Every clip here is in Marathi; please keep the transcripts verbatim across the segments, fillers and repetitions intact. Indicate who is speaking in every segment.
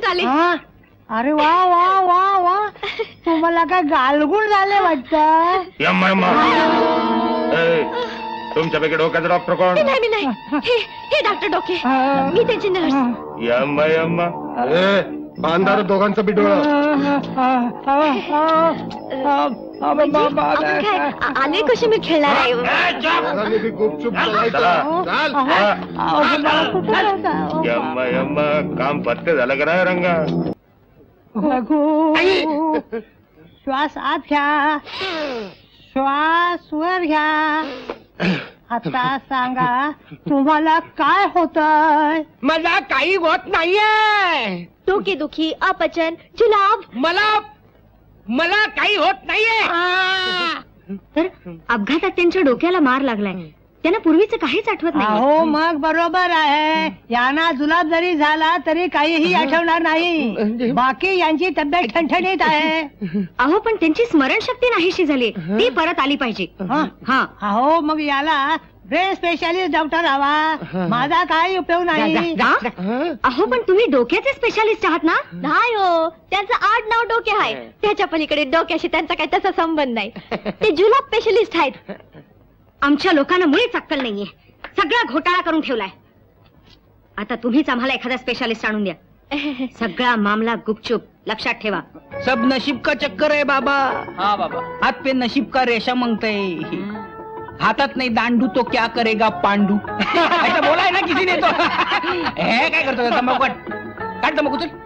Speaker 1: आले.
Speaker 2: अरे वा वा वा वा, तुम्हाला काय गालगुण झाले वाटतं.
Speaker 3: तुमच्यापैकी डोक्याचा डॉक्टर कोण?
Speaker 1: नाही मी नाही, हे हे डॉक्टर डोके, मी त्यांची नर्स.
Speaker 3: यम्मा यम्मा, बांधार दोघांचं बी डोळं.
Speaker 1: काय आले कशी मी खेळणार आहे.
Speaker 3: यम्मा यम्मा, काम पत्ते झालं का नाही रंगा?
Speaker 2: श्वास आत घ्या, श्वास वर घ्या. आता सांगा तुम्हाला काय होतंय.
Speaker 4: मला काही होत नाहीये.
Speaker 1: डोके दुखी, अपचन, जुलाब.
Speaker 4: मला मला काही होत नाहीये.
Speaker 1: तर अपघातात त्यांच्या डोक्याला मार लागलाय, त्यांना पूर्वीचं काहीच आठवत नाही.
Speaker 2: हो मग बरोबर आहे. यांना जुलाब जरी झाला तरी काहीही आठवणार नाही. बाकी यांची तब्येत ठणठणीत आहे.
Speaker 1: अहो पण त्यांची स्मरणशक्ती नाहीशी झाली, ती परत आली पाहिजे. हा
Speaker 2: अहो मग याला ब्रेन स्पेशालिस्ट डॉक्टर हवा. माझा काही उपयोग नाही.
Speaker 1: अहो पण तुम्ही डोक्याचे स्पेशालिस्ट आहात ना? नाही हो, त्यांचं आड नाव डोके आहे. त्याच्या पलीकडे डोक्याशी त्यांचा काही तसा संबंध नाही. ते जुलाब स्पेशलिस्ट आहेत. आमच्या लोकांना मुळीच अक्कल नाहीये, सगळा घोटाळा करून ठेवलाय. आता तुम्हीच आम्हाला एखादा स्पेशालिस्ट आणून द्या. सगळा मामला गुपचूप, लक्षात ठेवा.
Speaker 5: सब नशीब का चक्कर है बाबा.
Speaker 4: हा बाबा,
Speaker 5: हाथ पे नशीब का रेशा मांगते. हातात नाही दांडू तो क्या करेगा पांडू. ऐसा बोला है ना किसी ने तो. हे काय करतो तंबाखू काट, काट तंबाखू चल.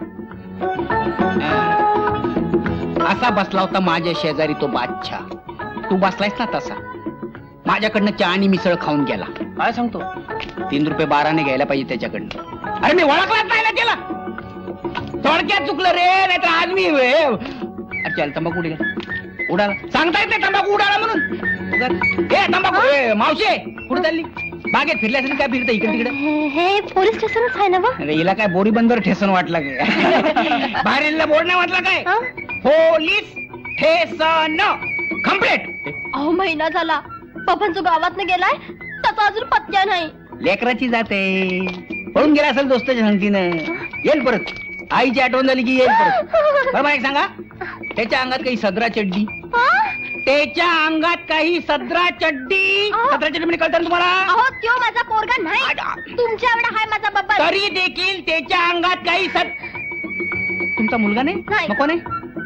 Speaker 5: असा बसला होता माझ्या शेजारी तो बादशाह. तू बसलायस ना तसा. माझ्याकडनं चहा आणि मिसळ खाऊन गेला.
Speaker 4: काय सांगतो?
Speaker 5: तीन रुपये बाराने घ्यायला पाहिजे त्याच्याकडनं. अरे मी ओळखलाच नाही ना त्याला. थोडक्यात चुकलं रे, नाहीतर आज मी अरे चल तंबाखू उडी उडाला. सांगता येत नाही तंबाखू उडाला म्हणून. ए तंबाखू, ए मावशे कुठे चालली? बागेत फिरल्या असेल काय फिरता इकडे तिकडे.
Speaker 1: हे पोलीस स्टेशनच आहे ना बा?
Speaker 5: अरे हिला काय बोरी बंदर ठेसन वाटला काय? बाहेर बोर्ड नाही वाटला काय? Police station complaint.
Speaker 1: अहो महिना झाला, पप्पांचं गावात न गेलाय, त्याचा अजून पत्त्या नाही.
Speaker 5: लेकराची जाते, पळून गेला असेल दोस्ताच्या संगतीनं. येईल परत, आईची आठवण झाली की येईल परत. बरोबर एक सांगा, त्याच्या अंगात काही सदरा चड्डी. त्याच्या अंगात काही सदरा चड्डी. सदरा चड्डी म्हणजे कळतं तुम्हाला?
Speaker 1: अहो त्यो माझा पोरगा नाही, तुमच्या एवढा हाय माझा बाबा.
Speaker 5: तरी देखील त्याच्या अंगात काही सद. तुमचा मुलगा नाही? नको नाही.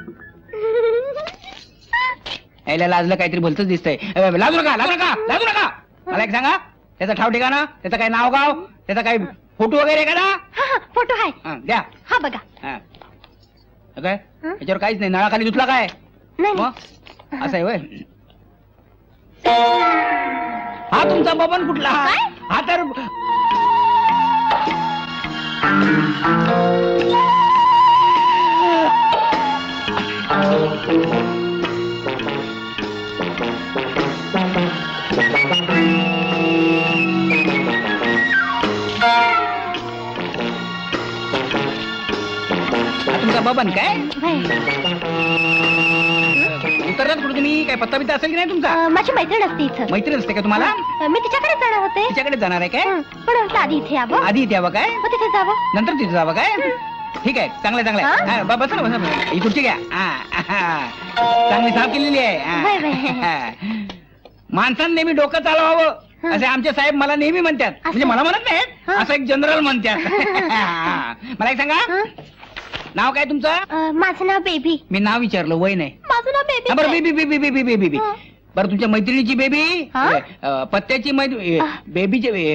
Speaker 5: यायला लाजलं काहीतरी भलतच दिसतंय. लाजू नका, लाजू नका, लाजू नका. मला एक सांगा, त्याचा ठाव ठिकाणा, त्याचं काही नाव गाव, त्याचा काही फोटो वगैरे का ना?
Speaker 1: फोटो आहे,
Speaker 5: द्या.
Speaker 1: हा बघा.
Speaker 5: काय याच्यावर काहीच नाही. नळाखाली धुतला काय? असं आहे वय. हा तुमचा बबन कुठला? हा तर तुमचा बबन काय? उतरलात कुठे तुम्ही? काय पत्ता बित्ता असेल की नाही तुमचा?
Speaker 1: माझी मैत्रीण असते इथं.
Speaker 5: मैत्रीण असते का तुम्हाला?
Speaker 1: मी तिच्याकडे जाणार होते.
Speaker 5: तिच्याकडे जाणार आहे काय?
Speaker 1: पण म्हटलं आधी इथे यावं.
Speaker 5: आधी इथे यावं काय?
Speaker 1: मग तिथे जावं.
Speaker 5: नंतर तिथे जावं काय? ठीक आहे, चांगलं चांगलं आहे. बस ना, बस. ही खुर्ची घ्या. चांगली साफ केलेली आहे. माणसानं नेहमी डोकं चालवावं असे आमचे साहेब मला नेहमी म्हणतात. म्हणजे मला म्हणत नाहीत, असं एक जनरल म्हणतात. मला एक सांगा, नाव काय तुमचं?
Speaker 1: माझं नाव बेबी.
Speaker 5: मी नाव विचारलं, वय नाही.
Speaker 1: माझं नाव बेबी.
Speaker 5: बरं baby baby baby baby baby. बरं तुमच्या मैत्रिणीची बेबी, पत्त्याची बेबीचे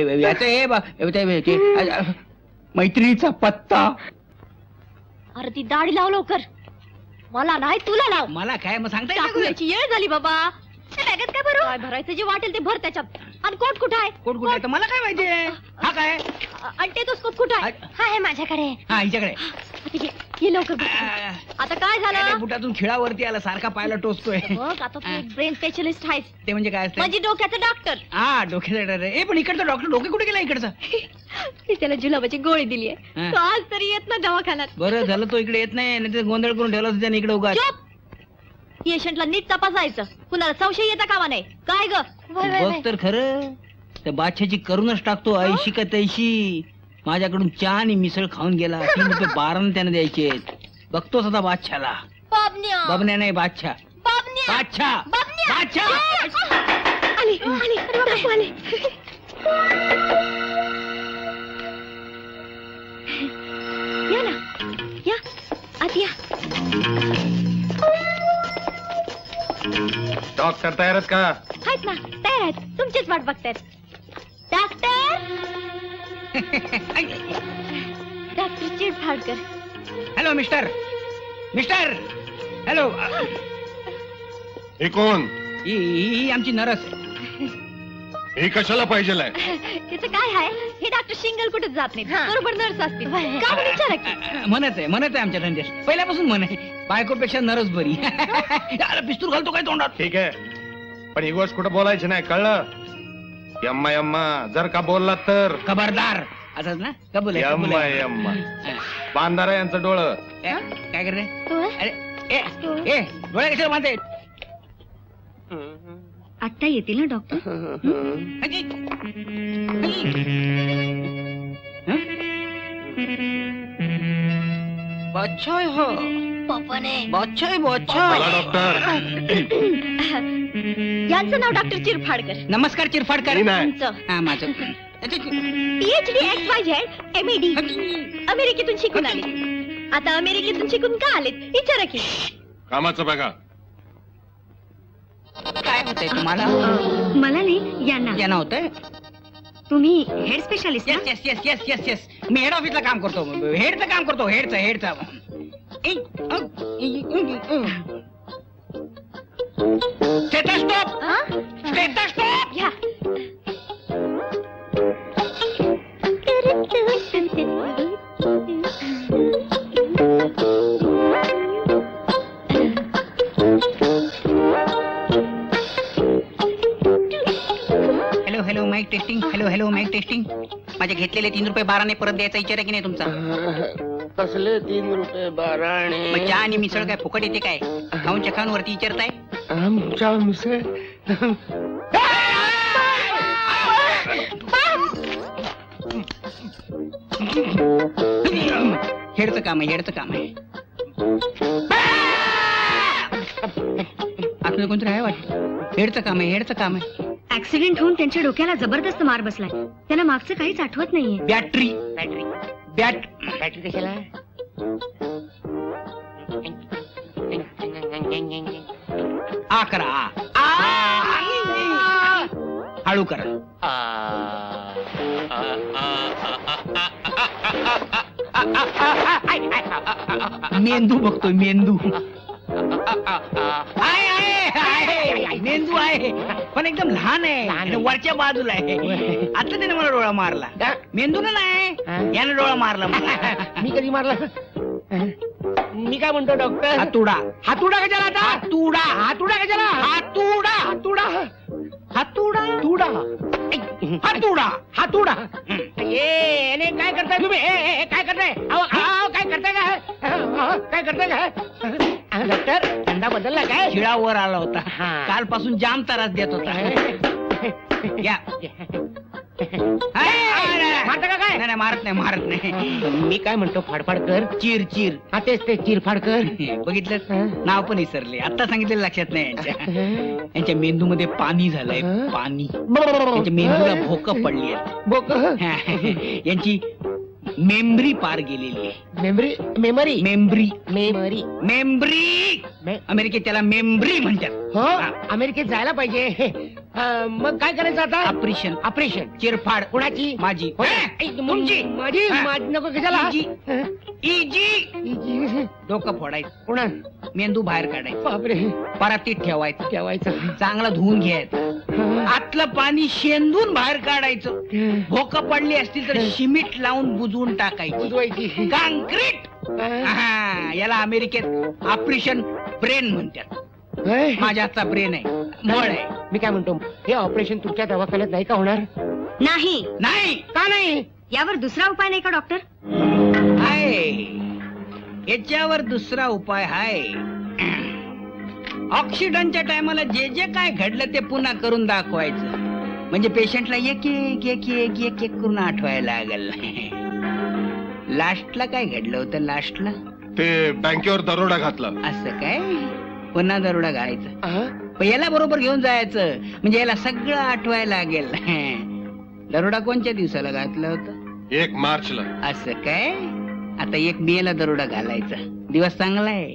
Speaker 5: याच मैत्रिणीचा पत्ता.
Speaker 1: अरे ती दाढी लाव लवकर. मला नाही, तुला लाव.
Speaker 5: मला काय मग सांगता
Speaker 1: टाकण्याची येळ झाली बाबा. बॅगेत काय भरू? काय भरायचं जे वाटेल ते भर त्याच्यात. आणि कोट कुठं आहे?
Speaker 5: कोट कुठे आहे? मला काय माहितीये. हा काय?
Speaker 1: आणि ते तो स्कोप कुठं आहे? हा आहे माझ्याकडे.
Speaker 5: हा हिच्याकडे.
Speaker 1: ये लवकर. आता काय झालं?
Speaker 5: बुटातून खिळावरती आला, सारखा पायाला टोचतोय.
Speaker 1: बघ आता तू एक ब्रेन स्पेशलिस्ट आहेस.
Speaker 5: ते म्हणजे काय असतं?
Speaker 1: म्हणजे डोक्याचं डॉक्टर.
Speaker 5: हा डोक्याचा डॉक्टर. ए पण इकडचा डॉक्टर डोके कुठे गेला इकडचा?
Speaker 1: मी त्याला जुलाबाची गोळी दिली आहे. तो आज तरी येत ना दवाखान्यात.
Speaker 5: बरं झालं तो इकडे येत नाही, नाही गोंधळ करून ठेवला त्याने इकडे उगा.
Speaker 1: पेशंटला नीट तपासायचं, कुणाला संशय येता कामा नाही. काय ग?
Speaker 5: बघ तर खरं, त्या बादशाची करूनच टाकतो ऐशी का तैशी. माझ्याकडून चहा आणि मिसळ खाऊन गेला. तीन रुपये बारानं त्याने द्यायचे. बघतोच आता बादशाला.
Speaker 1: बाबन्या
Speaker 5: बबन्या नाही बादशाह.
Speaker 1: बाबन्या
Speaker 5: बादशाह
Speaker 1: बाबन्या
Speaker 5: बादशाह.
Speaker 1: आले आले काकू आले. या ना या आत या.
Speaker 3: डॉक्टर तयार आहेत का?
Speaker 1: आहेत ना तयार आहेत. तुमचीच वाट बघतायत. Doctor doctor Chirphadkar.
Speaker 5: Hello mister mister hello.
Speaker 3: हे कोण?
Speaker 5: ही ही- ही आमची नरस आहे.
Speaker 3: हे कशाला पाहिजे?
Speaker 1: त्याचं काय आहे हे डॉक्टर शिंगल कुठेच जात नाही. बरोबर नर्स असतील का म्हणून विचारा की.
Speaker 5: अ, म्हणत आहे म्हणत आहे आमच्या धंद्यात पहिल्यापासून म्हण आहे. बायकोपेक्षा नरस बरी. अरे पिस्तूल घालतो काय तोंडात.
Speaker 3: ठीक आहे, पण ही गोष्ट कुठं बोलायची नाही, कळलं? यम्मा यम्मा जर का बोलला तर
Speaker 5: खबरदार असंच ना. कबूल आहे, कबूल
Speaker 3: यम्मा
Speaker 5: आहे.
Speaker 3: यम्मा.
Speaker 5: हा.
Speaker 3: बांधारा यांचं डोळं.
Speaker 5: ए, काय कर रे.
Speaker 1: हो?
Speaker 5: अरे ए ए डोळे कशाला बांधते.
Speaker 1: आत्ता येतील ना डॉक्टर.
Speaker 5: अजी. अजी. हं? बादशाह आहे हो.
Speaker 1: पप्पाने
Speaker 5: बादशाह आहे,
Speaker 3: बोला
Speaker 5: बादशाह.
Speaker 3: डॉक्टर.
Speaker 1: यांचं नाव डॉक्टर चिरफाडकर.
Speaker 5: नमस्कार चिरफाडकर.
Speaker 3: मी नाही.
Speaker 1: तुमचं
Speaker 5: हा माझं.
Speaker 1: PhD X Y Z M A D अमेरिकेतून शिकून आले. आता अमेरिकेतून शिकून का आलेत विचारा की.
Speaker 3: कामाचं बघा.
Speaker 5: काय होतंय तुम्हाला.
Speaker 1: मला नाही यांना.
Speaker 5: यांना होतंय.
Speaker 1: तुम्ही head specialist
Speaker 5: yes yes yes yes yes yes मी हेड ऑफिसला काम करतो. हेडचं काम करतो. हेडचं हेडचं. Stethoscope stethoscope.
Speaker 1: घ्या.
Speaker 5: Hello hello mic testing. Hello hello mic testing. माझे घेतलेले तीन रुपये बाराने परत द्यायचा विचार आहे की नाही तुमचा.
Speaker 4: कसले तीन रुपये बाराणे.
Speaker 5: मग चहा आणि मिसळ काय फुकट येते काय. खाऊन चखाऊन वरती विचारताय.
Speaker 4: आमच्या मिसळ
Speaker 5: हेडचं काम आहे. हेडचं काम आहे. आपलं कोणतरी आहे वाटतं. हेडचं काम आहे. हेडचं काम आहे.
Speaker 1: ऍक्सिडेंट होऊन त्यांच्या डोक्याला जबरदस्त मार बसलाय. त्यांना मागचं काहीच आठवत नाहीये.
Speaker 5: बॅटरी
Speaker 4: बॅटरी
Speaker 5: बॅट
Speaker 4: बॅटरी कशाला.
Speaker 5: अकरा हळू करा. मेंदू बघतोय मेंदू. आहे आहे आहे मेंदू आहे पण एकदम लहान आहे आणि वरच्या बाजूला आहे. आता त्याने मला डोळा मारला. मेंदू ना नाही याने डोळा मारला मला.
Speaker 4: मी कधी मारला. मी काय म्हणतो डॉक्टर.
Speaker 5: हातुडा.
Speaker 4: हातुडा कशाला आता.
Speaker 5: हातुडा.
Speaker 4: हातुडा कशाला.
Speaker 5: हातुडा.
Speaker 4: हातुडा
Speaker 5: हातुडा.
Speaker 4: तुडा
Speaker 5: हातुडा.
Speaker 4: हातुडा. ए अरे काय करताय तुम्ही. ए, ए, ए, काय करताय. अहो, अहो, काय करताय काय. अहो, काय करताय काय. अहो, डॉक्टर धंदा बदलला काय.
Speaker 5: शिळा वर आला होता.
Speaker 4: हा.
Speaker 5: कालपासून जाम त्रास देत होता. या
Speaker 4: मारता का काय.
Speaker 5: नाही नाही, मारत नाही मारत नाही.
Speaker 4: मी काय म्हणतो फाडफाडकर.
Speaker 5: चिर चिर.
Speaker 4: हा तेच ते चिरफाडकर.
Speaker 5: बघितलं नाव पण विसरले. आता सांगितलेलं लक्षात नाही यांच्या. यांच्या मेंदू मध्ये पाणी झालंय. पाणी. यांच्या मेंदूला भोकं पडली आहेत.
Speaker 4: बोक
Speaker 5: यांची मेमरी पार गेलेली आहे.
Speaker 4: Memory memory
Speaker 5: memory
Speaker 4: memory
Speaker 5: memory
Speaker 4: मे-
Speaker 5: अमेरिकेत त्याला मेमरी म्हणतात.
Speaker 4: हो अमेरिकेत जायला पाहिजे. अं, मग काय करायचं आता.
Speaker 5: ऑपरेशन.
Speaker 4: ऑपरेशन.
Speaker 5: चिरफाड.
Speaker 4: कोणाची.
Speaker 5: माझी.
Speaker 4: हो.
Speaker 5: ए,
Speaker 4: ऐक,
Speaker 5: तुमची.
Speaker 4: माझी
Speaker 5: हा.
Speaker 4: माझी नको कशाला.
Speaker 5: इजी.
Speaker 4: हं?
Speaker 5: इजी.
Speaker 4: इजी.
Speaker 5: डोकं फोडायचं.
Speaker 4: कोणा.
Speaker 5: मेंदू बाहेर काढायचं.
Speaker 4: बापरे
Speaker 5: परातीत ठेवायचं.
Speaker 4: ठेवायचं.
Speaker 5: चांगला धुवून घ्यायचं.
Speaker 4: हं.
Speaker 5: आतलं पाणी शेंदून बाहेर काढायचं. भोकं पडली असतील तर शिमीट लावून बुजवून टाकायची.
Speaker 4: बुजवायची.
Speaker 5: काँक्रीट.
Speaker 4: हं.
Speaker 5: हा, याला अमेरिकेत ऑपरेशन ब्रेन म्हणतात.
Speaker 4: होय?
Speaker 5: माझ्या हातचा ब्रेन आहे. मळ आहे.
Speaker 4: मी काय म्हणतो हे ऑपरेशन तुमच्या दवाखान्यात नाही का होणार.
Speaker 1: नाही.
Speaker 5: नाही
Speaker 4: का नाही.
Speaker 1: यावर दुसरा उपाय नाही का डॉक्टर.
Speaker 5: आहे. याच्यावर दुसरा उपाय आहे. ऑक्सिडंटच्या टायमाला जे जे काय घडलं ते पुन्हा करून दाखवायचं. म्हणजे पेशंटला एक एक एक एक एक एक करून आठवायला लागल. लास्टला काय घडलं होतं लास्टला?
Speaker 3: ते बँकेवर दरोडा घातला.
Speaker 5: असं काय? पुन्हा दरोडा घालायचा. पण याला बरोबर घेऊन जायचं म्हणजे याला सगळं आठवायला लागेल. दरोडा कोणत्या दिवसाला घातलं होतं?
Speaker 3: एक मार्चला.
Speaker 5: असं काय? आता एक मे ला दरोडा घालायचा. दिवस चांगला आहे.